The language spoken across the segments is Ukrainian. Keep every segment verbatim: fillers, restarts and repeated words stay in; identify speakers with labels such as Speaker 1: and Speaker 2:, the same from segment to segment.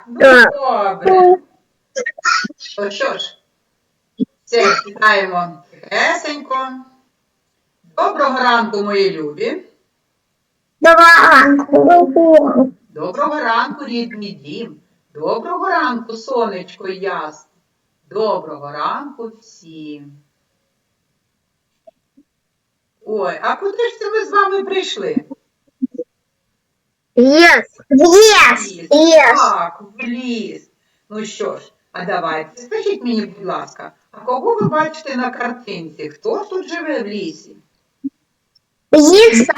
Speaker 1: Ну, добре. То що ж, все, читаємо тихесенько. Доброго ранку, мої любі.
Speaker 2: Доброго ранку.
Speaker 1: Доброго ранку, рідний дім. Доброго ранку, сонечко ясне. Доброго ранку всім. Ой, а куди ж це ми з вами прийшли?
Speaker 2: Yes. Yes. Yes.
Speaker 1: Так, в ліс. Ну що ж, а давайте, скажіть мені, будь ласка, а кого ви бачите на картинці? Хто тут живе в лісі?
Speaker 2: Лиса.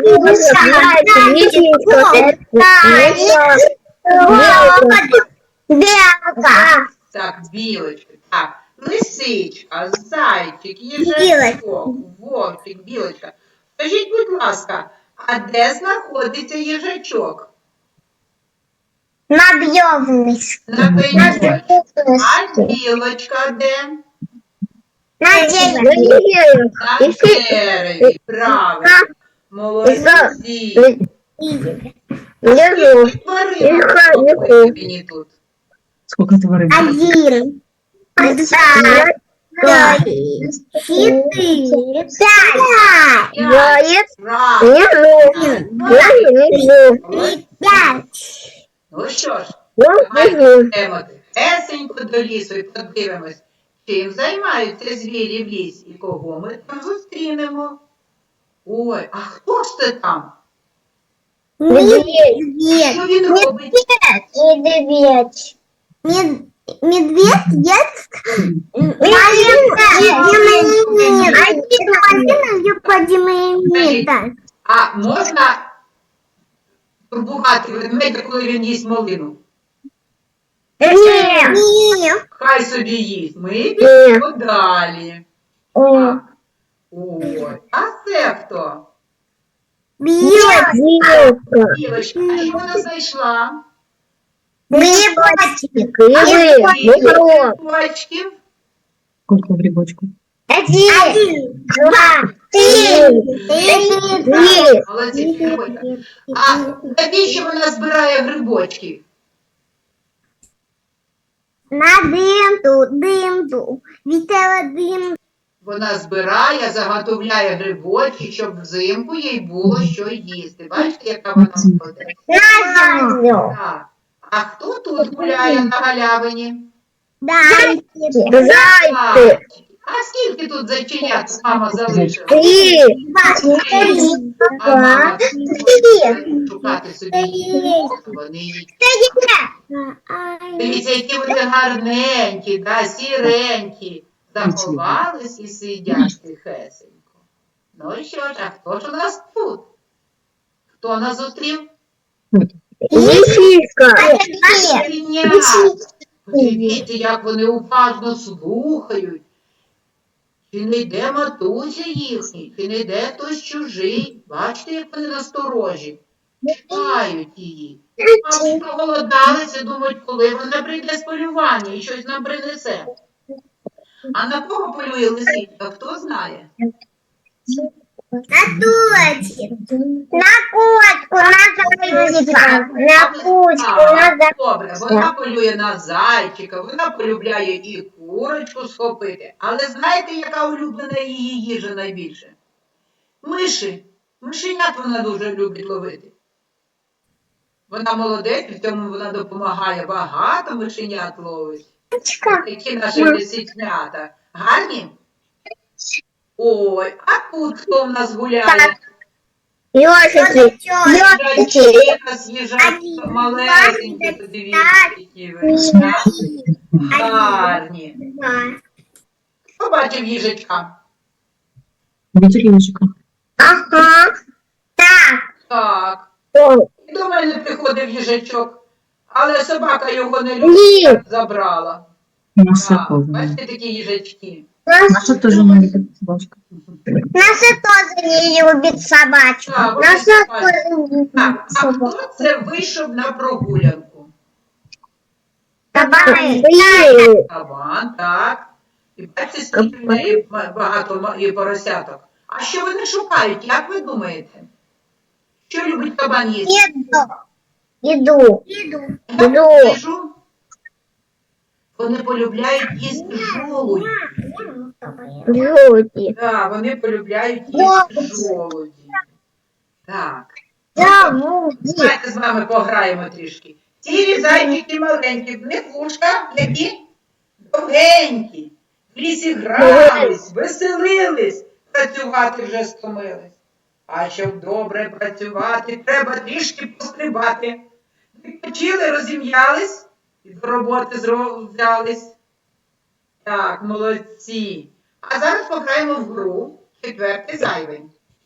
Speaker 2: Белка.
Speaker 1: Так, білочка. Так, лисичка, зайчик, їжачок, вовчик, білочка. Скажіть, будь ласка, а де знаходиться їжачок?
Speaker 2: На бьёвнись.
Speaker 1: На пеньочку. А білочка де?
Speaker 2: На дереве.
Speaker 1: На дереві. Правильно. Молодці.
Speaker 2: Лежу.
Speaker 1: Тваринок слухайте мені тут.
Speaker 3: Сколько тварин?
Speaker 2: Один. Два. Три. Четыре. Пять. Заяц.
Speaker 1: Правильно.
Speaker 2: Лежу. Пять.
Speaker 1: Ну що ж,
Speaker 2: Лежу.
Speaker 1: давайте йдемо тихесенько до лісу і подивимось, чим займаються звірі в лісі і кого ми там зустрінемо. Ой, а хто ж це там?
Speaker 2: Медведь.
Speaker 1: Що він робить?
Speaker 2: Медведь. Медведь ест динамита.
Speaker 1: А можна турбувати ведмедя, коли він їсть малину?
Speaker 2: Нет.
Speaker 1: Хай собі їсть. Ми підемо далі. Так. Ой, а це хто?
Speaker 2: Белка.
Speaker 1: Білочка, а що вона знайшла?
Speaker 2: Грибочек.
Speaker 1: Грибочків.
Speaker 3: Сколько в грибочку?
Speaker 2: Один. Два. Три. Четыре.
Speaker 1: Молодці, грибочка. А навіщо вона збирає грибочки?
Speaker 2: На димту, димту. Вітела дим.
Speaker 1: Вона збирає, заготовляє грибочки, щоб взимку їй було що їсти. Бачите, яка вона молодець?
Speaker 2: На землю.
Speaker 1: Так. А хто тут гуляє на галявині?
Speaker 2: Зайчик.
Speaker 1: Зайчики. А скільки тут зайченят мама залишила?
Speaker 2: Три.
Speaker 1: А мама
Speaker 2: Три.
Speaker 1: шукати собі їсти. Вони їдять. Дивіться, які вони гарненькі, да, сіренькі. Заховались і сидять тихесенько. Ну і що ж, а хто ж у нас тут? Хто нас зустрів?
Speaker 2: Лисичка.
Speaker 1: Свинята. Подивіться, як вони уважно слухають. Чи не йде матуся їхній, чи не йде хтось чужий. Бачите, як вони насторожі. Чекають її. Мабуть, проголодалися, думають, коли вона прийде з полювання і щось нам принесе. А на кого полює лисичка, хто знає?
Speaker 2: На точку. На кочку, на зайчика. На кучку, на зайчика.
Speaker 1: Добре, вона полює на зайчика, вона полюбляє і курочку схопити. Але знаєте, яка улюблена її їжа найбільше? Миші. Мишенят вона дуже любить ловити. Вона молодець, в цьому вона допомагає. Багато мишенят ловить. Такі наші лисичнята. Гарні? Ой, а тут хто в нас гуляє?
Speaker 2: Ёжики.
Speaker 1: Їжачки, їжачки малесенькі, подивіться, які ви. Гарні. Хто бачив їжачка?
Speaker 3: Видели ежика?
Speaker 2: Ага. Так.
Speaker 1: Так.
Speaker 2: Ой.
Speaker 1: І до мене приходив їжачок, але собака його не любить, забрала.
Speaker 3: Наша
Speaker 1: Так,
Speaker 3: тоже.
Speaker 1: бачите такі їжачки?
Speaker 3: Наша тоже не любит собачка.
Speaker 2: Наша тоже не любит собачку.
Speaker 1: Так, вони
Speaker 2: Наша
Speaker 1: собачки.
Speaker 2: тоже не любит
Speaker 1: Так, а
Speaker 2: собачку.
Speaker 1: хто це вийшов на прогулянку?
Speaker 2: Кабаны.
Speaker 1: Кабан, так. І бачите, скільки в неї багато ма- і поросяток. А що вони шукають, як ви думаєте? Що любить кабан їсти?
Speaker 2: Еду. Иду. Иду. Иду.
Speaker 1: Їжу. Вони полюбляють їсти жолудь.
Speaker 2: Люди.
Speaker 1: Так, вони полюбляють їсти жолуді. Так.
Speaker 2: Заводи.
Speaker 1: Давайте з вами пограємо трішки. Ці зайчики маленькі, в них вушка які довгенькі. В лісі грались, веселились, працювати вже стомились. А щоб добре працювати, треба трішки пострибати. Відпочили, розім'ялись і до роботи зро- взялись. Так, молодці. А зараз пограємо в гру четвертий зайвий.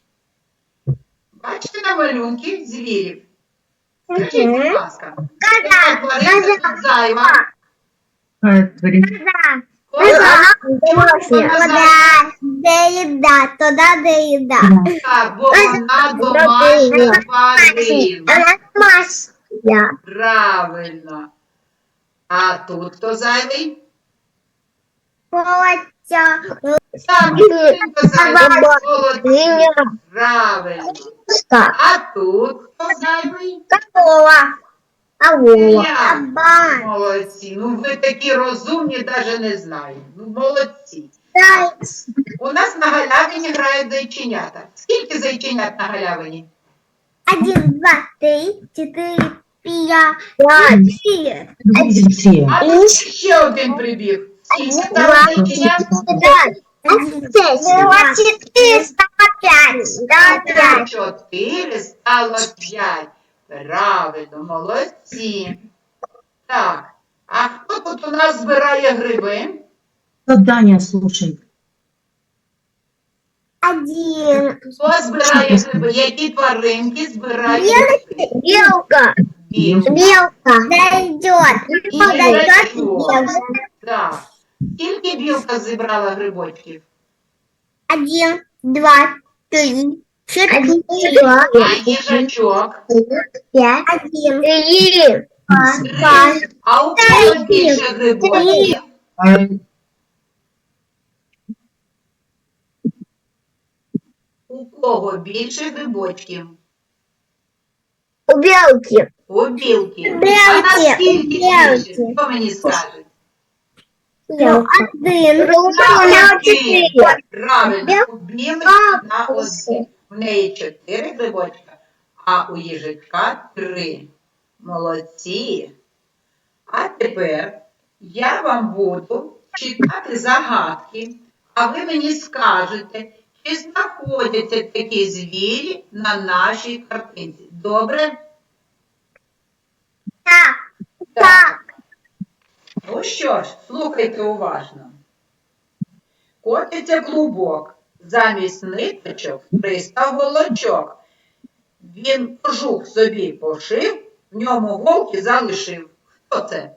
Speaker 1: Бачите на малюнки звірів? Скажіть, будь ласка, яка тваринка тут зайва?
Speaker 3: Какая творит?
Speaker 1: Коза?
Speaker 2: Туда, де еда, туда, де еда.
Speaker 1: Так, бо вона домашня тваринка.
Speaker 2: Она домашняя.
Speaker 1: Правильно. А тут хто зайвий?
Speaker 2: Котя.
Speaker 1: Так, тваринка зайва, молодці. Правильно. А тут хто зайвий?
Speaker 2: Корова. Алло.
Speaker 1: Я.
Speaker 2: Кабан.
Speaker 1: Молодці. Ну ви такі розумні, навіть не знаю. Ну молодці.
Speaker 2: Заяц.
Speaker 1: У нас на галявині грають зайченята. Скільки зайченят на галявині?
Speaker 2: Один, два, три, четыре, пять, шесть.
Speaker 3: Ну, видите, все.
Speaker 1: А тут ще один прибіг. Скільки там зайченят?
Speaker 2: Один, два, четыре, стало пять. Стало пять.
Speaker 1: Чотири стало п'ять. Правильно, молодці. Так, а хто тут у нас збирає гриби?
Speaker 3: Задание, слушай.
Speaker 2: Один.
Speaker 1: Хто збирає гриби? Які тваринки збирають гриби?
Speaker 2: Белка.
Speaker 1: Білки.
Speaker 2: Белка. Дойдет. Подойдет белка.
Speaker 1: Так. Скільки білка зібрала грибочків?
Speaker 2: Один, два, три, четыре,
Speaker 1: А їжачок?
Speaker 2: пять, один, три,
Speaker 1: Три. А у кого більше грибочків?
Speaker 3: А,
Speaker 1: У кого більше грибочків?
Speaker 2: у белки.
Speaker 1: У білки. А
Speaker 2: Білки.
Speaker 1: наскільки більше?
Speaker 2: Білки.
Speaker 1: Хто мені скаже?
Speaker 2: Один,
Speaker 1: На один.
Speaker 2: четыре.
Speaker 1: Правильно, у білки на один. У неї чотири грибочка, а у їжачка три. Молодці. А тепер я вам буду читати загадки, а ви мені скажете, чи знаходяться такі звірі на нашій картинці. Добре?
Speaker 2: Так,
Speaker 1: Так. Ну що ж, слухайте уважно. Котиться клубок, замість ниточок пристав голочок. Він кожух собі пошив, в ньому голки залишив. Хто це?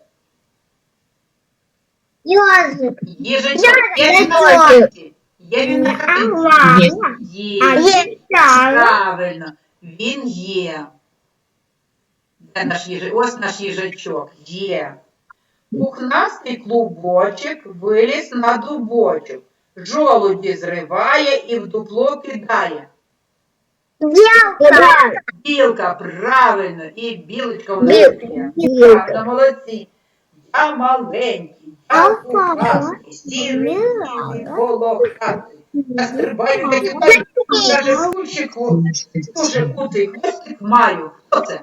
Speaker 2: ежик.
Speaker 1: Їжачок. Є він на
Speaker 2: Ежик.
Speaker 1: картинці? Є він на картинці?
Speaker 2: А
Speaker 1: Є.
Speaker 2: есть так.
Speaker 1: Правильно, він є. Де наш їжа... Ось наш їжачок. Є. Пухнастий клубочок виліз на дубочок. Жолуді зриває і в дупло кидає.
Speaker 2: Белка.
Speaker 1: Білка, правильно, і білочка в
Speaker 2: Білка.
Speaker 1: нас є.
Speaker 2: Білка.
Speaker 1: Правильно, молодці. Я маленький, я
Speaker 2: Ага.
Speaker 1: пухнастий, сірий, білий, волохатий. Я стрибаю, я кидаю, даже кущику, дуже кутий хвостик маю. Хто це?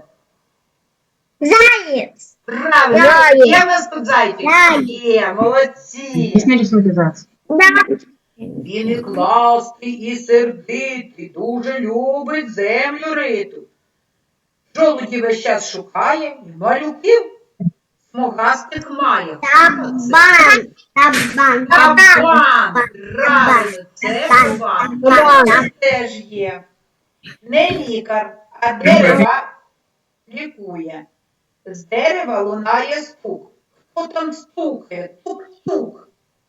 Speaker 2: Заяц.
Speaker 1: Правильно,
Speaker 2: Заяць.
Speaker 1: є в нас тут зайчик?
Speaker 2: Заяць.
Speaker 1: Є, молодці.
Speaker 3: Объясни рисунок зайца.
Speaker 2: Да.
Speaker 1: Він і кластий, і сердитий, дуже любить землю риту. Жолуді весь час шукає, і малюків смугастих має. Хто це?
Speaker 2: Табан. Табан.
Speaker 1: Кабан. Правильно, це кабан. Кабан теж є. Не лікар, а дерева лікує. З дерева лунає стук. Хто там стукає? Тук-тук.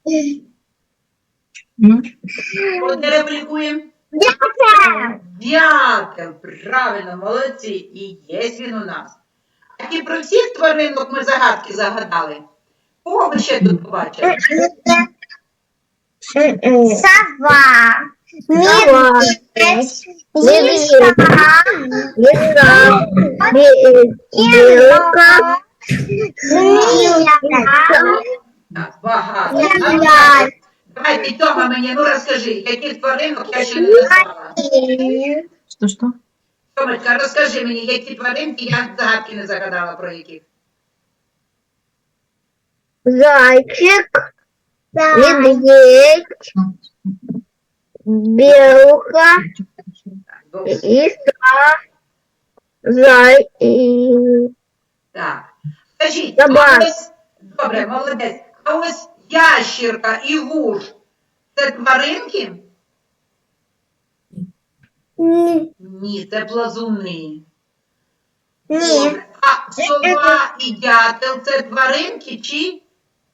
Speaker 3: Ну,
Speaker 1: Хто дерево лікує?
Speaker 2: Дятел.
Speaker 1: Дятел, правильно, молодці. І є він у нас. А і про всіх тваринок ми загадки загадали. Кого ви ще тут побачили?
Speaker 2: Сова. Медведь. Лиса. Лиса. Белка. Змея.
Speaker 1: Так, багато.
Speaker 2: Змея.
Speaker 1: Давайте, Тьома, мені, ну розкажи, яких тваринок я ще не назвала.
Speaker 3: Что-что?
Speaker 1: Тьомочка, розкажи мені, які тваринки, я загадки не загадала про яких.
Speaker 2: Зайчик. Медведь. Белка.
Speaker 1: Так, добре.
Speaker 2: Лиса. Зай. И...
Speaker 1: Так. Скажіть,
Speaker 2: Собака.
Speaker 1: а ось, добре, молодець, а ось ящірка і вуж, це тваринки? Ні, це плазуни.
Speaker 2: Ні.
Speaker 1: Добре. А сова і дятел це тваринки чи?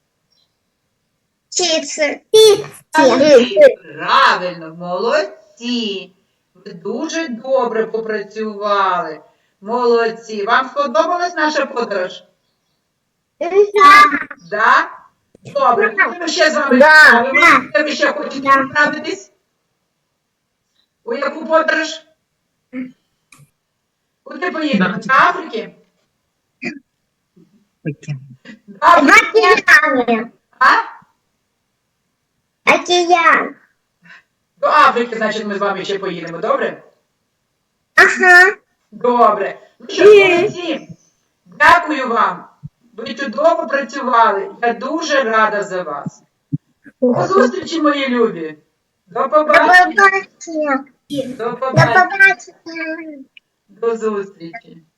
Speaker 2: Птицы.
Speaker 1: Птахи. Правильно, молодці. Ви дуже добре попрацювали. Молодці. Вам сподобалась наша подорож? Да? Добре, куди ми ще з вами
Speaker 2: Да.
Speaker 1: відправимо? Де ви ще хочете відправитись? У яку подорож? Куди поїдемо? До Африки? До Африки?
Speaker 2: Океан.
Speaker 1: А?
Speaker 2: Океан.
Speaker 1: До Африки, значить, ми з вами ще поїдемо, добре?
Speaker 2: Ага.
Speaker 1: Добре. Ну що, молодці. Дякую вам. Ви чудово працювали. Я дуже рада за вас. До зустрічі, мої любі. До
Speaker 2: До
Speaker 1: побачення.
Speaker 2: побачення.
Speaker 1: До
Speaker 2: До
Speaker 1: побачення.
Speaker 2: побачення.
Speaker 1: До зустрічі.